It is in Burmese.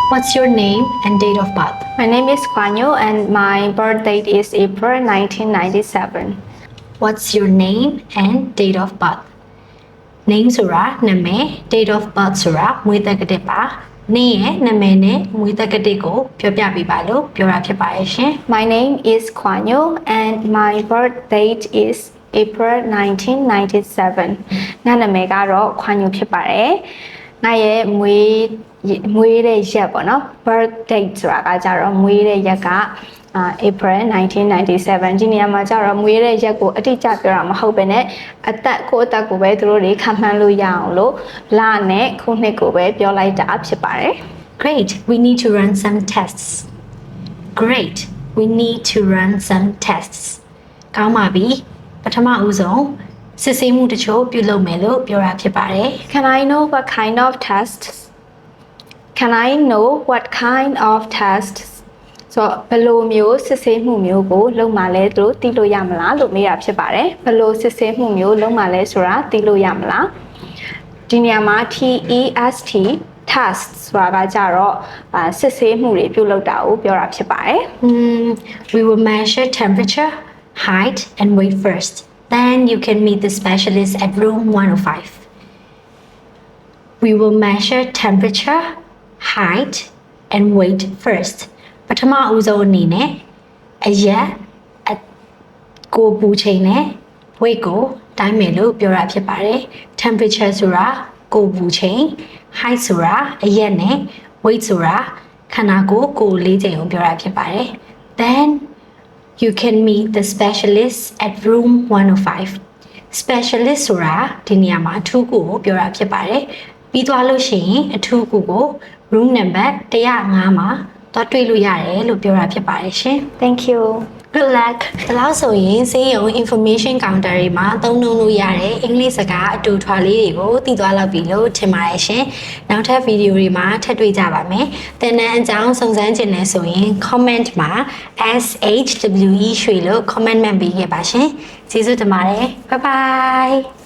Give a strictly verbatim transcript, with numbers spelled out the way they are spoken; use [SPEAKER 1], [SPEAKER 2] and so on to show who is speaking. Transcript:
[SPEAKER 1] What's your name and date of birth?
[SPEAKER 2] My name is Kwanyo and my birth date is April nineteen ninety-seven.
[SPEAKER 1] What's your name and date of birth? Name ဆိုတာနာမည် date of birth ဆိုတာမွေးတက္ကတိပါနေ့ရဲ့နာမည်နဲ့မွေးတက္ကတိကိုပြောပြပေးပါလို့ပြောတာဖြစ်ပါတယ်ရှင်
[SPEAKER 2] My name is Kwanyo and my birth date is April nineteen ninety-seven. ငါနာမည်ကတော့ Kwanyo ဖြစ်ပါတယ်ငါရဲ့မွေးမွေးတဲ့ရက်ပေါ့နော် birth date ဆိုတာကကြတော့မွေးတဲ့ရက်ကUh, April nineteen ninety-seven ဒီနေရာမှာကျတော့မွေးတဲ့ရက်ကိုအတိအကျပြောတာမဟုတ်ဘဲနဲ့အသက်ကိုအသက်ကိုပဲသူတို့တွေခံမှန်းလို့ရအောင်လို့လနဲ့ခုနှစ်ကိုပဲပြောလိုက်တာဖြစ်ပါတယ်
[SPEAKER 1] Great we need to run some tests Great we need to run some tests ကောင်းပါပြီပထမဦးဆုံးစစ်ဆေးမှုတချို့ပြုလုပ်မယ်လို့ပြောတာဖြစ်ပါတယ်
[SPEAKER 2] Can I know what kind of tests Can I know what kind of testsဆိုဘယ်လိုမျိုးစစ်ဆေးမှုမျိုးကိုလုပ်မှလဲသူတို့သိလို့ရမလားလို့မေးတာဖြစ်ပါတယ်ဘယ်လိုစစ်ဆေးမှုမျိုးလုပ်မှလဲဆိုတာသိလို့ရမလားဒီနေရာမှာ T E S T test ဆိုတာကကြတော့စစ်ဆေးမှုတွေပြုလုပ်တာကိုပြောတာဖြစ်ပါတယ်
[SPEAKER 1] mm, We will measure temperature height and weight first then you can meet the specialist at room one oh five We will measure temperature height and weight firstပထမဦးဆုံးအနေနဲ့အရက်ကိုပူချိန်နဲ့ weight ကိုတိုင်းမယ်လို့ပြောတာဖြစ်ပါတယ် temperature ဆိုတာကိုပူချိန် height ဆိုတာအရက်နဲ့ weight ဆိုတာခန္ဓာကိုယ်ကိုလေးချိန်ကိုပြောတာဖြစ်ပါတယ် then you can meet the specialist at room one oh five specialist ဆိုတာဒီနေရာမှာအထူးကိုပြောတာဖြစ်ပါတယ်ပြီးသွားလို့ရှိရင်အထူးကိုကို room number one oh fiveမှာတော့တွေ့လို့ရတယ်လို့ပြောတာဖြစ်ပါတယ်ရှင်
[SPEAKER 2] Thank you
[SPEAKER 1] Good luck ဒါလို့ဆိုရင်စေယုံ information counter တွေမှာသုံးနှုန်းလို့ရတဲ့အင်္ဂလိပ်စကားအတူထွာလေးတွေကိုသိသွားလောက်ပြီလို့ထင်ပါတယ်ရှင်နောက်ထပ်ဗီဒီယိုတွေမှာထပ်တွေ့ကြပါမယ်သင်တန်းအကြောင်းစုံစမ်းခြင်းနဲ့ဆိုရင် comment မှာ S H W E ရွှေလို့ comment မှတ်ပေးခဲ့ပါရှင်ကျေးဇူးတင်ပါတယ် Bye bye